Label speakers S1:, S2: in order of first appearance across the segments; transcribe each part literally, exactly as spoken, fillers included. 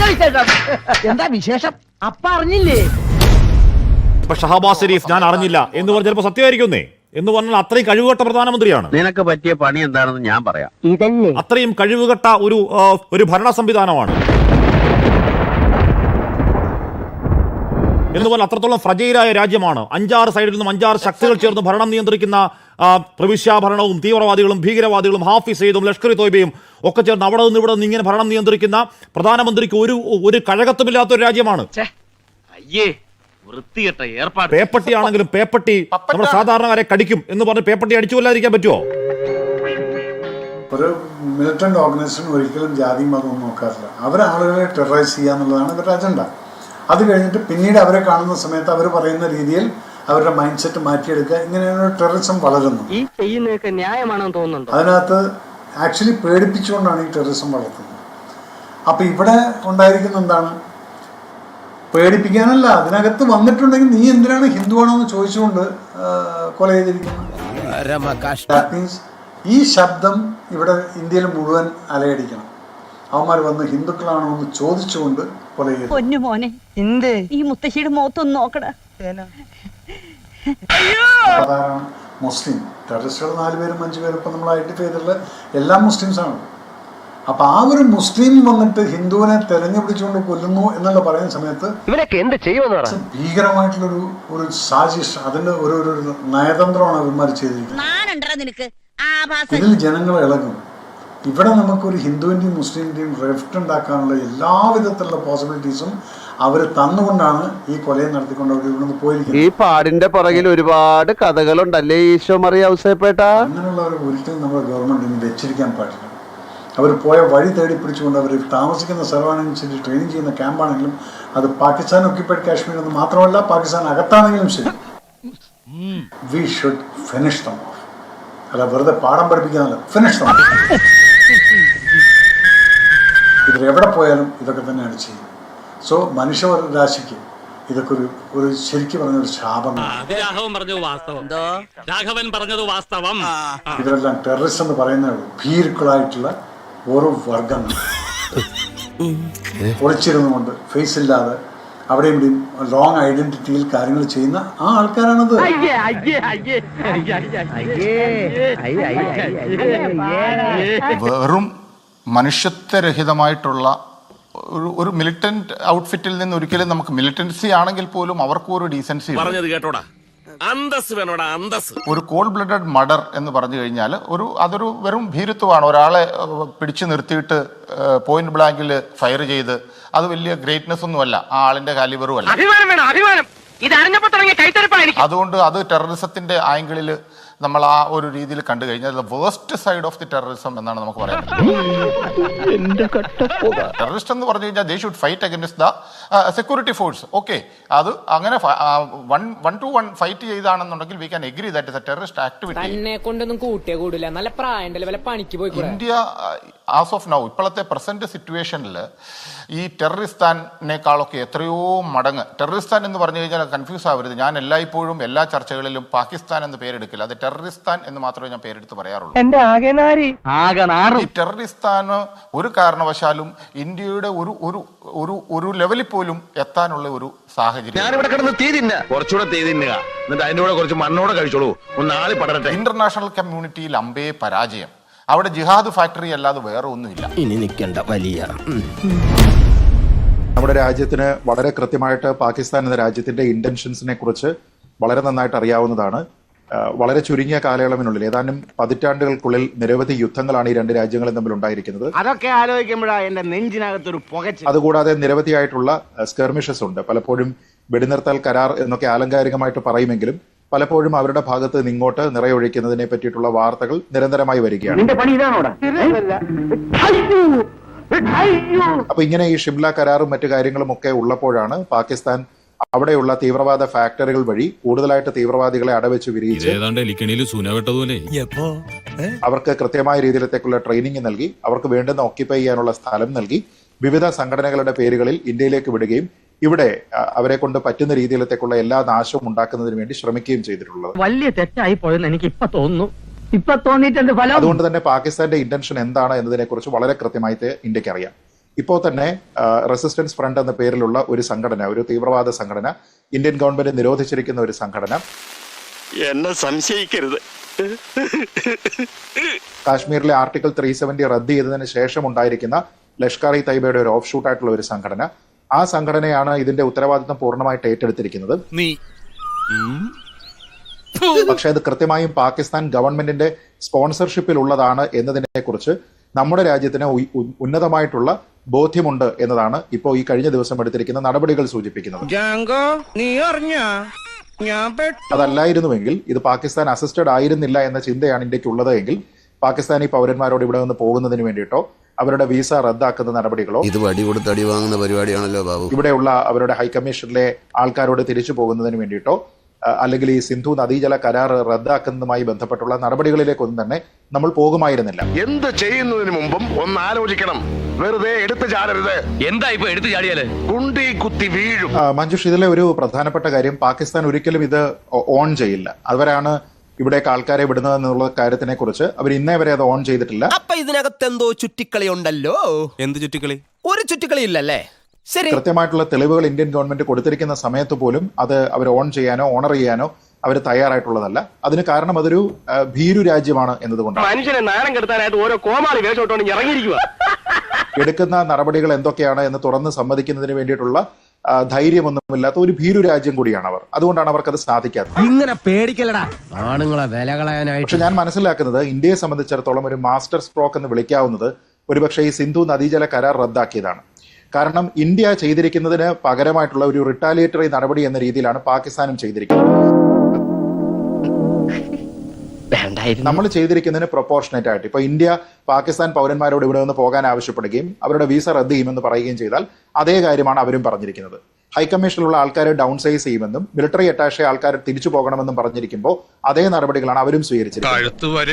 S1: എന്താ വിശേഷം? അപ്പ അറിഞ്ഞില്ലേ?
S2: ഇപ്പൊ ഷഹബാസ് ഷെരീഫ് ഞാൻ അറിഞ്ഞില്ല എന്ന് പറഞ്ഞ ചിലപ്പോ സത്യമായിരിക്കുന്നേ എന്ന് പറഞ്ഞാൽ അത്രയും കഴിവുകെട്ട പ്രധാനമന്ത്രിയാണ്.
S3: നിനക്ക് പറ്റിയ പണി എന്താണെന്ന് ഞാൻ പറയാം.
S1: ഇതല്ലേ
S2: അത്രയും കഴിവുകെട്ട ഒരു ഒരു ഭരണ സംവിധാനമാണ് എന്ന് പറഞ്ഞാൽ അത്രത്തോളം ഫ്രജൈലായ രാജ്യമാണ്. അഞ്ചാറ് സൈഡിൽ നിന്നും അഞ്ചാറ് ശക്തികൾ ചേർന്ന് ഭരണം നിയന്ത്രിക്കുന്ന പ്രവിശ്യാ ഭരണവും തീവ്രവാദികളും ഭീകരവാദികളും ഹാഫിസ് സെയ്ദും ലഷ്കർ ഇ തോയ്ബയും ഒക്കെ ചേർന്ന് അവിടെ നിന്ന് ഇവിടെ നിന്ന് ഇങ്ങനെ ഭരണം നിയന്ത്രിക്കുന്ന പ്രധാനമന്ത്രിക്ക് ഒരു ഒരു കഴകത്തുമില്ലാത്ത ഒരു രാജ്യമാണ്. പേപ്പട്ടി ആണെങ്കിലും പേപ്പട്ടി നമ്മുടെ സാധാരണക്കാരെ കടിക്കും എന്ന് പറഞ്ഞ് പേപ്പട്ടി അടിച്ചു കൊല്ലാതിരിക്കാൻ പറ്റുമോ?
S4: ഒരു മിലിറ്റന്റ് ഓർഗനൈസേഷൻ ഒരിക്കലും ജാതി മതവും നോക്കാറില്ല. അവരാളുകളെ ടെററൈസ് ചെയ്യുക എന്നുള്ളതാണ് ഇവരുടെ അജണ്ട. അത് കഴിഞ്ഞിട്ട് പിന്നീട് അവരെ കാണുന്ന സമയത്ത് അവർ പറയുന്ന രീതിയിൽ അവരുടെ മൈൻഡ് സെറ്റ് മാറ്റിയെടുക്കുക. ഇങ്ങനെയാണ് ടെററിസം വളരുന്നത്.
S1: ഈ ചെയ്യുന്നതൊക്കെ ന്യായമാണെന്ന് തോന്നുന്നുണ്ടോ?
S4: അതിനകത്ത് ആക്ച്വലി പേടിപ്പിച്ചുകൊണ്ടാണ് ഈ ടെററിസം വളർത്തുന്നത്. അപ്പം ഇവിടെ ഉണ്ടായിരിക്കുന്ന എന്താണ്? പേടിപ്പിക്കാനല്ല, അതിനകത്ത് വന്നിട്ടുണ്ടെങ്കിൽ നീ എന്തിനാണ് ഹിന്ദുവാണോ എന്ന് ചോദിച്ചുകൊണ്ട് കൊല ചെയ്തിരിക്കുന്നത്. ദാറ്റ് മീൻസ് ഈ ശബ്ദം ഇവിടെ ഇന്ത്യയിൽ മുഴുവൻ അലയടിക്കണം. അവന്മാർ വന്ന് ഹിന്ദുക്കളാണോ എന്ന് ചോദിച്ചുകൊണ്ട് കൊല ചെയ്തു.
S5: പൊന്നു മോനെ, എന്ത് ഈ മുത്തശ്ശിയുടെ മുഖത്തൊന്ന് നോക്കട.
S4: അതാണ് മുസ്ലിം ടെററിസ്റ്റുകൾ. നാല് പേരും അഞ്ചു പേരും ഇപ്പം നമ്മൾ ഐഡന്റിഫൈ ചെയ്തിട്ടുള്ള എല്ലാ മുസ്ലിംസാണ്. അപ്പൊ ആ ഒരു മുസ്ലിം വന്നിട്ട് ഹിന്ദുവിനെ തെരഞ്ഞു പിടിച്ചുകൊണ്ട് കൊല്ലുന്നു എന്നുള്ള പറയുന്ന സമയത്ത്
S1: ഇവനൊക്കെ എന്ത് ചെയ്യുമെന്ന്
S4: ഭീകരമായിട്ടുള്ളൊരു ഒരു സാജിഷ്, അതിന്റെ ഒരു ഒരു നയതന്ത്രമാണ് അവന്മാർ ചെയ്തിരിക്കുന്നത്. ഇതിൽ ജനങ്ങൾ ഇളകും. ഇവിടെ നമുക്കൊരു ഹിന്ദുവിന്റെയും മുസ്ലിമിന്റെയും റിഫ്റ്റ് ഉണ്ടാക്കാനുള്ള എല്ലാവിധത്തിലുള്ള പോസിബിലിറ്റീസും അവർ തന്നുകൊണ്ടാണ് ഈ കൊലയെ നടത്തിക്കൊണ്ട് അവർ ഇവിടുന്ന് പോയിരിക്കുന്നത്.
S3: ഈ പാടിന്റെ പുറകിൽ ഒരുപാട് കഥകളുണ്ടല്ലേ ഈശോ മറിയ ഔസേപ്പേട്ട.
S4: അങ്ങനെയുള്ളവർ ഒരിക്കലും നമ്മുടെ ഗവൺമെന്റിന് വെച്ചിരിക്കാൻ പാടില്ല. അവർ പോയ വഴി തേടി പിടിച്ചുകൊണ്ട് അവർ താമസിക്കുന്ന സ്ഥലമാണെങ്കിലും ട്രെയിനിങ് ചെയ്യുന്ന ക്യാമ്പാണെങ്കിലും അത് പാകിസ്ഥാൻ ഒക്യുപ്പൈഡ് കാശ്മീർ എന്ന് മാത്രമല്ല പാകിസ്ഥാൻ അകത്താണെങ്കിലും ശരി, we should finish them off. അല്ല വെറുതെ പാഠം പഠിപ്പിക്കാനല്ല, ഫിനിഷ് ദം ഓഫ്. ഇതിൽ എവിടെ പോയാലും ഇതൊക്കെ തന്നെയാണ് ചെയ്യുന്നത്. സോ മനുഷ്യ രാശിക്ക് ഇതൊക്കെ ഒരു ഒരു ശരിക്കും പറഞ്ഞ ഒരു ശാപമാണ്. ഇവരെല്ലാം ടെററിസ്റ്റ് എന്ന് പറയുന്ന ഭീരുക്കളായിട്ടുള്ള ഓരോ വർഗങ്ങൾ ഒളിച്ചിരുന്നുകൊണ്ട് ഫേസ് ഇല്ലാതെ അവിടെയും ഇവിടെയും ലോങ് ഐഡന്റിറ്റിയിൽ കാര്യങ്ങൾ ചെയ്യുന്ന ആ ആൾക്കാരാണത്.
S6: വെറും മനുഷ്യത്വരഹിതമായിട്ടുള്ള ഒരു ഒരു മിലിറ്റന്റ് ഔട്ട്ഫിറ്റിൽ നിന്ന് ഒരിക്കലും നമുക്ക് മിലിറ്റൻസി ആണെങ്കിൽ പോലും അവർക്കും ഒരു ഡീസൻസി
S7: കേട്ടോടാ, അന്തസ് വേണോടാ, അന്തസ്.
S6: ഒരു കോൾഡ് ബ്ലഡഡ് മർഡർ എന്ന് പറഞ്ഞു കഴിഞ്ഞാൽ ഒരു അതൊരു വെറും ഭീരുത്വമാണ്. ഒരാളെ പിടിച്ചു നിർത്തിയിട്ട് പോയിന്റ് ബ്ലാങ്കിൽ ഫയർ ചെയ്ത് അത് വലിയ ഗ്രേറ്റ്നെസ് ഒന്നുമല്ല, ആ ആളിന്റെ കാലിബറും അല്ല. അതുകൊണ്ട് അത് ടെററിസത്തിന്റെ ആംഗിളിൽ നമ്മൾ ആ ഒരു രീതിയിൽ കണ്ടു കഴിഞ്ഞാൽ waste side of the terrorism എന്നാണ് നമുക്ക് പറയാൻ പറ്റുന്നത്. ടെററിസ്റ്റ് എന്ന് പറഞ്ഞു കഴിഞ്ഞാൽ they should fight against the security force. Okay, അത് അങ്ങനെ one one to one fight ചെയ്താണെന്നുണ്ടെങ്കിൽ we can agree that is a terrorist activity. India as of now ഇപ്പോഴത്തെ പ്രസന്റ് സിറ്റുവേഷനിൽ ഈ ടെററിസ്ഥാനേക്കാളൊക്കെ എത്രയോ മടങ്ങ്, ടെററിസ്ഥാൻ എന്ന് പറഞ്ഞു കഴിഞ്ഞാൽ കൺഫ്യൂസ് ആവരുത്. ഞാൻ എല്ലായ്പ്പോഴും എല്ലാ ചർച്ചകളിലും പാകിസ്ഥാൻ എന്ന് പേരെടുക്കില്ല, അത് ടെററിസ്ഥാൻ എന്ന് മാത്രമേ ഞാൻ പേരെടുത്ത് പറയാറുള്ളൂ. ഈ ടെററിസ്ഥാന് ഒരു കാരണവശാലും ഇന്ത്യയുടെ ഒരു ഒരു ഒരു ഒരു ലെവലിൽ പോലും എത്താനുള്ള ഒരു സാഹചര്യം. ഇന്റർനാഷണൽ കമ്മ്യൂണിറ്റിയിൽ അമ്പേ പരാജയം. അവിടെ ജിഹാദ് ഫാക്ടറി അല്ലാതെ വേറെ ഒന്നുമില്ല.
S7: ഇനി നിൽക്കേണ്ട വലിയ
S8: നമ്മുടെ രാജ്യത്തിന് വളരെ കൃത്യമായിട്ട് പാകിസ്ഥാൻ എന്ന രാജ്യത്തിന്റെ ഇന്റൻഷൻസിനെ കുറിച്ച് വളരെ നന്നായിട്ട് അറിയാവുന്നതാണ്. വളരെ ചുരുങ്ങിയ കാലയളവിനുള്ളിൽ ഏതാനും പതിറ്റാണ്ടുകൾക്കുള്ളിൽ നിരവധി യുദ്ധങ്ങളാണ് ഈ രണ്ട് രാജ്യങ്ങളും തമ്മിൽ ഉണ്ടായിരിക്കുന്നത്.
S1: അതൊക്കെ ആലോചിക്കുമ്പോഴാണ് എന്റെ നെഞ്ചിനകത്തൊരു പുകച്ചിൽ.
S8: അതുകൂടാതെ നിരവധിയായിട്ടുള്ള സ്കെർമിഷസ് ഉണ്ട്. പലപ്പോഴും വെടിനിർത്തൽ കരാർ എന്നൊക്കെ ആലങ്കാരികമായിട്ട് പറയുമെങ്കിലും പലപ്പോഴും അവരുടെ ഭാഗത്ത് നിന്ന് ഇങ്ങോട്ട് നിറയൊഴിക്കുന്നതിനെ പറ്റിയിട്ടുള്ള വാർത്തകൾ നിരന്തരമായി വരികയാണ്. അപ്പൊ ഇങ്ങനെ ഈ ഷിംല കരാറും മറ്റു കാര്യങ്ങളും ഒക്കെ ഉള്ളപ്പോഴാണ് പാകിസ്ഥാൻ അവിടെയുള്ള തീവ്രവാദ ഫാക്ടറികൾ വഴി കൂടുതലായിട്ട് തീവ്രവാദികളെ അടവെച്ച് വിരിയിച്ച് അവർക്ക് കൃത്യമായ രീതിയിലത്തേക്കുള്ള ട്രെയിനിങ് നൽകി അവർക്ക് വേണ്ടുന്ന ഓക്യുപ്പൈ ചെയ്യാനുള്ള സ്ഥലം നൽകി വിവിധ സംഘടനകളുടെ പേരുകളിൽ ഇന്ത്യയിലേക്ക് വിടുകയും ഇവിടെ അവരെ കൊണ്ട് പറ്റുന്ന രീതിയിലത്തേക്കുള്ള എല്ലാ നാശവും ഉണ്ടാക്കുന്നതിന് വേണ്ടി ശ്രമിക്കുകയും ചെയ്തിട്ടുള്ളത്.
S1: വലിയ തെറ്റായി പോയെന്ന് എനിക്ക് ഇപ്പൊ തോന്നുന്നു. ഇപ്പൊ തോന്നിയിട്ടുണ്ട്.
S8: അതുകൊണ്ട് തന്നെ പാകിസ്ഥാന്റെ ഇന്റൻഷൻ എന്താണ് എന്നതിനെ കുറിച്ച് വളരെ കൃത്യമായിട്ട് ഇന്ത്യക്ക് അറിയാം. ഇപ്പോൾ തന്നെ റെസിസ്റ്റൻസ് ഫ്രണ്ട് എന്ന പേരിലുള്ള ഒരു സംഘടന, ഒരു തീവ്രവാദ സംഘടന, ഇന്ത്യൻ ഗവൺമെന്റ് നിരോധിച്ചിരിക്കുന്ന ഒരു സംഘടന,
S7: എന്നെ സംശയിക്കരുത്,
S8: കാശ്മീരിലെ ആർട്ടിക്കിൾ ത്രീ സെവന്റി റദ്ദ് ചെയ്തതിന് ശേഷം ഉണ്ടായിരിക്കുന്ന ലഷ്കർ ഇ തൈബയുടെ ഒരു ഓഫ് ഷൂട്ട് ആയിട്ടുള്ള ഒരു സംഘടന, ആ സംഘടനയാണ് ഇതിന്റെ ഉത്തരവാദിത്വം പൂർണ്ണമായിട്ട് ഏറ്റെടുത്തിരിക്കുന്നത്. പക്ഷെ അത് കൃത്യമായും പാകിസ്ഥാൻ ഗവൺമെന്റിന്റെ സ്പോൺസർഷിപ്പിൽ ഉള്ളതാണ് എന്നതിനെ കുറിച്ച് നമ്മുടെ രാജ്യത്തിന് ഉന്നതമായിട്ടുള്ള ബോധ്യമുണ്ട് എന്നതാണ് ഇപ്പോൾ ഈ കഴിഞ്ഞ ദിവസം എടുത്തിരിക്കുന്ന നടപടികൾ സൂചിപ്പിക്കുന്നത്. അതല്ലായിരുന്നുവെങ്കിൽ, ഇത് പാകിസ്ഥാൻ അസിസ്റ്റഡ് ആയിരുന്നില്ല എന്ന ചിന്തയാണ് ഇന്ത്യക്കുള്ളത് എങ്കിൽ, പാകിസ്ഥാനി പൗരന്മാരോട് ഇവിടെ നിന്ന് പോകുന്നതിന് വേണ്ടിയിട്ടോ അവരുടെ വീസ റദ്ദാക്കുന്ന നടപടികളോ,
S7: ഇത് വടി കൊടുത്ത് അടി വാങ്ങുന്ന പരിപാടിയാണല്ലോ ബാബു,
S8: ഇവിടെയുള്ള അവരുടെ ഹൈക്കമ്മീഷനിലെ ആൾക്കാരോട് തിരിച്ചു പോകുന്നതിന് വേണ്ടിയിട്ടോ അല്ലെങ്കിൽ ഈ സിന്ധു നദീജല കരാർ റദ്ദാക്കുന്നതുമായി ബന്ധപ്പെട്ടുള്ള നടപടികളിലേക്കൊന്നും തന്നെ നമ്മൾ പോകുമായിരുന്നില്ല.
S7: എന്ത് ചെയ്യുന്നതിന് മുമ്പും ഒന്ന് ആലോചിക്കണം. വെറുതെ എടുത്തു ചാടരുത്. എന്താ ഇപ്പൊ എടുത്തു ചാടിയാല് കുണ്ടി കുത്തി വീഴും.
S8: മഞ്ജുഷ്, ഇതിലെ ഒരു പ്രധാനപ്പെട്ട കാര്യം, പാകിസ്ഥാൻ ഒരിക്കലും ഇത് ഓൺ ചെയ്യില്ല. അവരാണ് ഇവിടേക്ക് ആൾക്കാരെ വിടുന്നത് എന്നുള്ള കാര്യത്തിനെ കുറിച്ച് അവർ ഇന്നേ വരെ അത് ഓൺ ചെയ്തിട്ടില്ല.
S9: അപ്പൊ ഇതിനകത്ത് എന്തോ ചുറ്റിക്കളി ഉണ്ടല്ലോ. എന്ത് ചുറ്റിക്കളി? ഒരു ചുറ്റിക്കളി ഇല്ലല്ലേ? ശരി,
S8: കൃത്യമായിട്ടുള്ള തെളിവുകൾ ഇന്ത്യൻ ഗവൺമെന്റ് കൊടുത്തിരിക്കുന്ന സമയത്ത് പോലും അത് അവർ ഓൺ ചെയ്യാനോ ഓണർ ചെയ്യാനോ അവർ തയ്യാറായിട്ടുള്ളതല്ല. അതിന് കാരണം അതൊരു ഭീരു രാജ്യമാണ് എന്നതുകൊണ്ടാണ്.
S1: മനുഷ്യനെ നാണം കെടുത്താനായിട്ട് ഓരോ കോമാളി വേഷോട്ടോണ്ട് ഇറങ്ങിയിരിക്കുക.
S8: എടുക്കുന്ന നടപടികൾ എന്തൊക്കെയാണ് എന്ന് തുറന്ന് സമ്മതിക്കുന്നതിന് വേണ്ടിയിട്ടുള്ള ധൈര്യമൊന്നുമില്ലാത്ത ഒരു ഭീരു രാജ്യം കൂടിയാണ് അവർ. അതുകൊണ്ടാണ് അവർക്കത് സാധിക്കാത്തത്.
S9: ഇങ്ങനെ പേടിക്കലടാ ആണുങ്ങളെ വില കളയാനായിട്ട്.
S8: പക്ഷെ ഞാൻ മനസ്സിലാക്കുന്നത്, ഇന്ത്യയെ സംബന്ധിച്ചിടത്തോളം ഒരു മാസ്റ്റർ സ്ട്രോക്ക് എന്ന് വിളിക്കാവുന്നത് ഒരുപക്ഷെ ഈ സിന്ധു നദീജല കരാർ റദ്ദാക്കിയതാണ്. കാരണം ഇന്ത്യ ചെയ്തിരിക്കുന്നതിന് പകരമായിട്ടുള്ള ഒരു റിട്ടാലിയേറ്ററി നടപടി എന്ന രീതിയിലാണ് പാകിസ്ഥാനും ചെയ്തിരിക്കുന്നത്. നമ്മൾ ചെയ്തിരിക്കുന്നതിന് പ്രൊപ്പോർഷനേറ്റ് ആയിട്ട് ഇപ്പൊ ഇന്ത്യ പാകിസ്ഥാൻ പൗരന്മാരോട് ഇവിടെ നിന്ന് പോകാൻ ആവശ്യപ്പെടുകയും അവരുടെ വീസ റദ്ദ് ചെയ്യുമെന്ന് പറയുകയും ചെയ്താൽ അതേ കാര്യമാണ് അവരും പറഞ്ഞിരിക്കുന്നത്. ഹൈക്കമ്മീഷനിലുള്ള ആൾക്കാരെ ഡൗൺ സൈസ് ചെയ്യുമെന്നും മിലിറ്ററി അറ്റാഷെ ആൾക്കാർ തിരിച്ചു പോകണമെന്നും പറഞ്ഞിരിക്കുമ്പോൾ അതേ നടപടികളാണ് അവരും സ്വീകരിച്ചിരിക്കുന്നത്.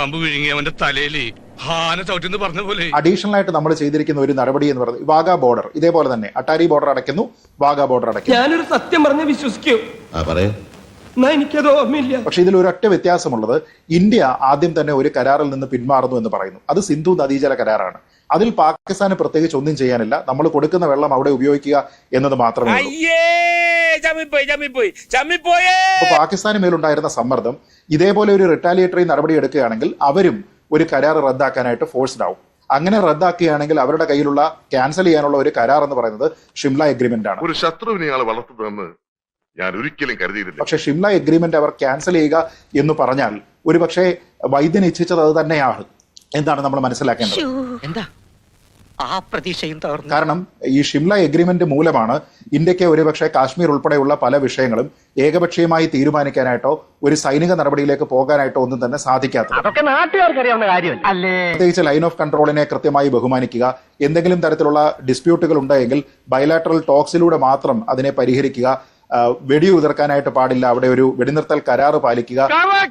S8: അഡീഷണൽ ആയിട്ട് നമ്മൾ ചെയ്തിരിക്കുന്ന ഒരു നടപടി എന്ന് പറയുന്നത് വാഗ ബോർഡർ, ഇതേപോലെ തന്നെ അട്ടാരി ബോർഡർ അടയ്ക്കുന്നു, വാഗ ബോർഡർ അടയ്ക്കുന്നു.
S9: ഞാനൊരു സത്യം പറഞ്ഞ് വിശ്വസിക്കൂ, എനിക്കത് ഓർമ്മയില്ല.
S8: പക്ഷെ ഇതിൽ ഒരൊറ്റ വ്യത്യാസമുള്ളത്, ഇന്ത്യ ആദ്യം തന്നെ ഒരു കരാറിൽ നിന്ന് പിന്മാറുന്നു എന്ന് പറയുന്നു. അത് സിന്ധു നദീജല കരാറാണ്. അതിൽ പാകിസ്ഥാന് പ്രത്യേകിച്ച് ഒന്നും ചെയ്യാനില്ല. നമ്മൾ കൊടുക്കുന്ന വെള്ളം അവിടെ ഉപയോഗിക്കുക എന്നത് മാത്രമേ ഉള്ളൂ. പാകിസ്ഥാന് മേലുണ്ടായിരുന്ന സമ്മർദ്ദം ഇതേപോലെ ഒരു റിട്ടാലിയേറ്ററി നടപടി എടുക്കുകയാണെങ്കിൽ അവരും ഒരു കരാർ റദ്ദാക്കാനായിട്ട് ഫോഴ്സ്ഡ് ആവും. അങ്ങനെ റദ്ദാക്കുകയാണെങ്കിൽ അവരുടെ കയ്യിലുള്ള ക്യാൻസൽ ചെയ്യാനുള്ള ഒരു കരാർ എന്ന് പറയുന്നത് ഷിംല എഗ്രിമെന്റ് ആണ്.
S10: ഒരു ശത്രുവിനെ വളർത്തുന്നതെന്ന് ഞാൻ ഒരിക്കലും കരുതിയിട്ടില്ല.
S8: പക്ഷെ ഷിംല എഗ്രിമെന്റ് അവർ ക്യാൻസൽ ചെയ്യുക എന്ന് പറഞ്ഞാൽ ഒരുപക്ഷെ വൈദ്യൻ ഇച്ഛിച്ചത് അത് തന്നെയാണ് എന്താണ് നമ്മൾ മനസ്സിലാക്കേണ്ടത്.
S1: എന്താ ആ പ്രതീക്ഷയും തകർന്നു.
S8: കാരണം ഈ ഷിംല എഗ്രിമെന്റ് മൂലമാണ് ഇന്ത്യക്ക് ഒരുപക്ഷെ കാശ്മീർ ഉൾപ്പെടെയുള്ള പല വിഷയങ്ങളും ഏകപക്ഷീയമായി തീരുമാനിക്കാനായിട്ടോ ഒരു സൈനിക നടപടിയിലേക്ക് പോകാനായിട്ടോ ഒന്നും തന്നെ സാധിക്കാത്തത്.
S1: അതൊക്കെ നാട്ടുകാർക്ക് അറിയാവുന്ന കാര്യമല്ല.
S8: പ്രത്യേകിച്ച് ലൈൻ ഓഫ് കൺട്രോളിനെ കൃത്യമായി ബഹുമാനിക്കുക, എന്തെങ്കിലും തരത്തിലുള്ള ഡിസ്പ്യൂട്ടുകൾ ഉണ്ടെങ്കിൽ ബയലാറ്ററൽ ടോക്സിലൂടെ മാത്രം അതിനെ പരിഹരിക്കുക, വെടിയുതിർക്കാനായിട്ട് പാടില്ല, അവിടെ ഒരു വെടിനിർത്തൽ കരാറ് പാലിക്കുക,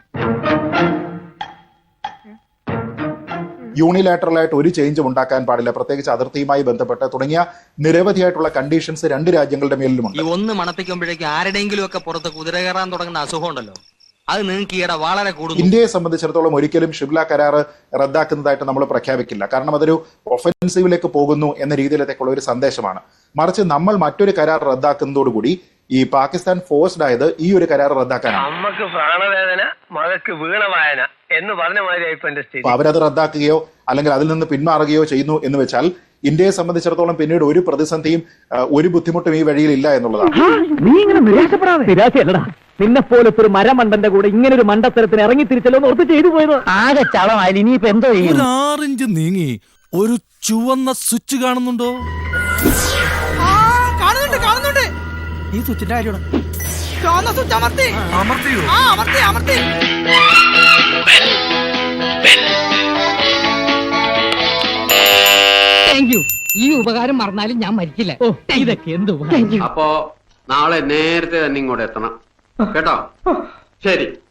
S8: യൂണിലാറ്ററലായിട്ട് ഒരു ചേഞ്ചും ഉണ്ടാക്കാൻ പാടില്ല, പ്രത്യേകിച്ച് അതിർത്തിയുമായി ബന്ധപ്പെട്ട് തുടങ്ങിയ നിരവധിയായിട്ടുള്ള കണ്ടീഷൻസ് രണ്ട് രാജ്യങ്ങളുടെ മേലിലുമുണ്ട്.
S1: ഈ ഒന്ന് മണപ്പിക്കുമ്പോഴേക്കും ആരുടെയെങ്കിലും ഒക്കെ പുറത്ത് കുതിര കയറാൻ തുടങ്ങുന്ന അസുഖം ഉണ്ടല്ലോ, അത് നിങ്ങൾക്ക് ഈയിടെ വളരെ കൂടുതൽ.
S8: ഇന്ത്യയെ സംബന്ധിച്ചിടത്തോളം ഒരിക്കലും ഷിംല കരാർ റദ്ദാക്കുന്നതായിട്ട് നമ്മൾ പ്രഖ്യാപിക്കില്ല. കാരണം അതൊരു ഒഫൻസീവിലേക്ക് പോകുന്നു എന്ന രീതിയിലേക്കുള്ള ഒരു സന്ദേശമാണ്. മറിച്ച് നമ്മൾ മറ്റൊരു കരാർ റദ്ദാക്കുന്നതോടുകൂടി ഈ പാകിസ്ഥാൻ ഫോഴ്സ്ഡ് ആയത് ഈ ഒരു കരാർ റദ്ദാക്കാനാണ്.
S1: അമ്മക്ക് പ്രാണവേദന, മകക്ക് വീണവായന എന്ന് പറഞ്ഞ മാതിരി
S8: അവരത് റദ്ദാക്കുകയോ അല്ലെങ്കിൽ അതിൽ നിന്ന് പിന്മാറുകയോ ചെയ്യുന്നു എന്ന് വെച്ചാൽ ഇന്ത്യയെ സംബന്ധിച്ചിടത്തോളം പിന്നീട് ഒരു പ്രതിസന്ധിയും ഒരു ബുദ്ധിമുട്ടും ഈ വഴിയിൽ ഇല്ല എന്നുള്ളതാണ്.
S1: നീ ഇങ്ങനെ നിരാശപ്പെടാതെ. നിരാശയല്ലടാ, നിന്നെ പോലത്തെ ഒരു മരമണ്ടന്റെ കൂടെ ഇങ്ങനെ ഒരു മണ്ടത്തരത്തിന് ഇറങ്ങി തിരിച്ചല്ലോ ഓർത്ത് ചെയ്തു പോയത്. ആകെ ചളമായി. ഇനിയിപ്പോ എന്തോ ചെയ്യും?
S7: ആറിഞ്ച് നീങ്ങി ഒരു ചുവന്ന സ്വിച്ച് കാണുന്നുണ്ടോ?
S9: കാണുന്നുണ്ട് കാണുന്നുണ്ട്.
S7: ഈ സ്വിച്ചിന്റെ കാര്യമാണ്.
S9: ചുവന്ന സ്വിച്ച് അമർത്തി
S7: അമർത്തിയോ?
S9: ആ അമർത്തി അമർത്തി.
S5: Thank you. ഈ ഉപകാരം മറന്നാലും ഞാൻ മരിക്കില്ല. ഓ ഇതൊക്കെ എന്തു.
S11: അപ്പോ നാളെ നേരത്തെ തന്നെ ഇങ്ങോട്ട് എത്തണം കേട്ടോ. ശരി.